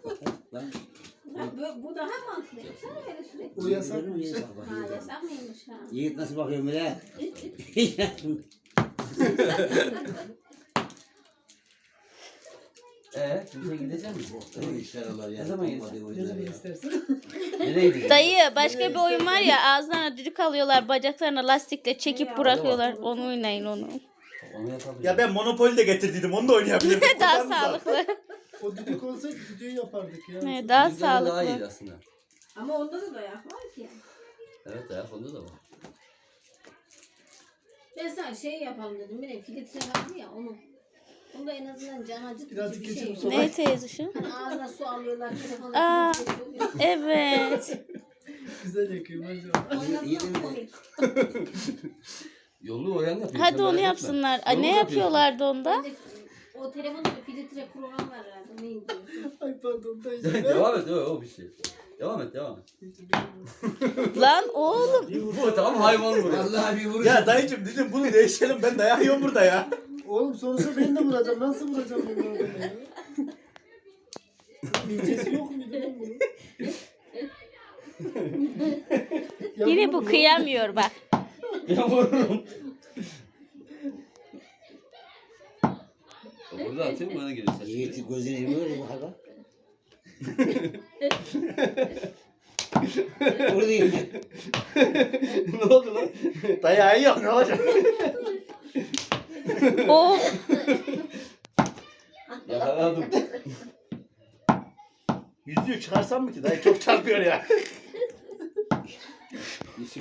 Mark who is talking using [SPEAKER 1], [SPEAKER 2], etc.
[SPEAKER 1] Lan.
[SPEAKER 2] Bu daha mantıklı. Yapsana öyle sürekli.
[SPEAKER 3] O yasak.
[SPEAKER 2] Ha yasak mıymış ha?
[SPEAKER 1] Yiğit nasıl bakıyor bile? Kimse gidecek mi? Ne işler olur ya?
[SPEAKER 4] Ne zaman
[SPEAKER 3] Ne zaman istersen.
[SPEAKER 1] Nereye gidecek?
[SPEAKER 5] Dayı başka bir oyun var ya, ağızlarına düdük alıyorlar, bacaklarına lastikle çekip bırakıyorlar. Onu oynayın onu.
[SPEAKER 1] Onu yapabilir.
[SPEAKER 4] Ya ben Monopoly de getirdiydim. Onu da oynayabilirim.
[SPEAKER 5] Daha sağlıklı.
[SPEAKER 3] O düdük olsa düdüğü yapardık ya.
[SPEAKER 5] Evet, daha
[SPEAKER 1] Bizden daha iyi
[SPEAKER 5] sağlıklı.
[SPEAKER 1] aslında.
[SPEAKER 2] Ama onda da dayak var ki.
[SPEAKER 1] Evet ayak onda da var.
[SPEAKER 2] Ben sana şey yapalım dedim. Bir de filtre vardı ya onu. Onda en azından can acıtıcı
[SPEAKER 3] Birazcık
[SPEAKER 2] bir şey
[SPEAKER 3] geçelim
[SPEAKER 2] yok.
[SPEAKER 3] sonra.
[SPEAKER 5] Ne teyze şu?
[SPEAKER 2] Hani ağzına su alıyorlar.
[SPEAKER 5] Aa.
[SPEAKER 2] Telefonu
[SPEAKER 5] Evet.
[SPEAKER 3] Güzel yakıyor maşallah.
[SPEAKER 2] oynatmak komik.
[SPEAKER 1] Yollu oyan yapıyor.
[SPEAKER 5] Hadi
[SPEAKER 1] sen
[SPEAKER 5] onu
[SPEAKER 1] merak etme.
[SPEAKER 5] yapsınlar. Ay,
[SPEAKER 1] Yollu
[SPEAKER 5] ne
[SPEAKER 1] yapıyorsun.
[SPEAKER 5] yapıyorlardı onda?
[SPEAKER 2] Ben de o telefonda bir filtre program var herhalde. Neydi?
[SPEAKER 3] Ay pardon dayı.
[SPEAKER 1] Devam et o bir şey. Devam et.
[SPEAKER 5] Lan oğlum.
[SPEAKER 1] Bu tam hayvan vuruyor. Vallahi bir vuruş.
[SPEAKER 4] Ya dayıcım dedim bunu değişelim. Ben dayağı yiyorum burada ya.
[SPEAKER 3] Oğlum sonuçta ben de vuracağım. Nasıl vuracağım bunu adamı ya? İlçesi yok muydu lan bunun? Ya
[SPEAKER 5] Yine
[SPEAKER 3] bunu
[SPEAKER 5] bu kıyamıyor bak.
[SPEAKER 1] Ya vururum. Burada atayım bana gelirse.
[SPEAKER 6] Yiğit'i gözüne yemiyor mu hala? Buradayım.
[SPEAKER 4] Ne oldu lan? Dayağı yiyor ne olacak?
[SPEAKER 5] Oh.
[SPEAKER 1] Yakaladım.
[SPEAKER 4] Yüzüğü çıkarsam mı ki? Dayı çok çarpıyor ya.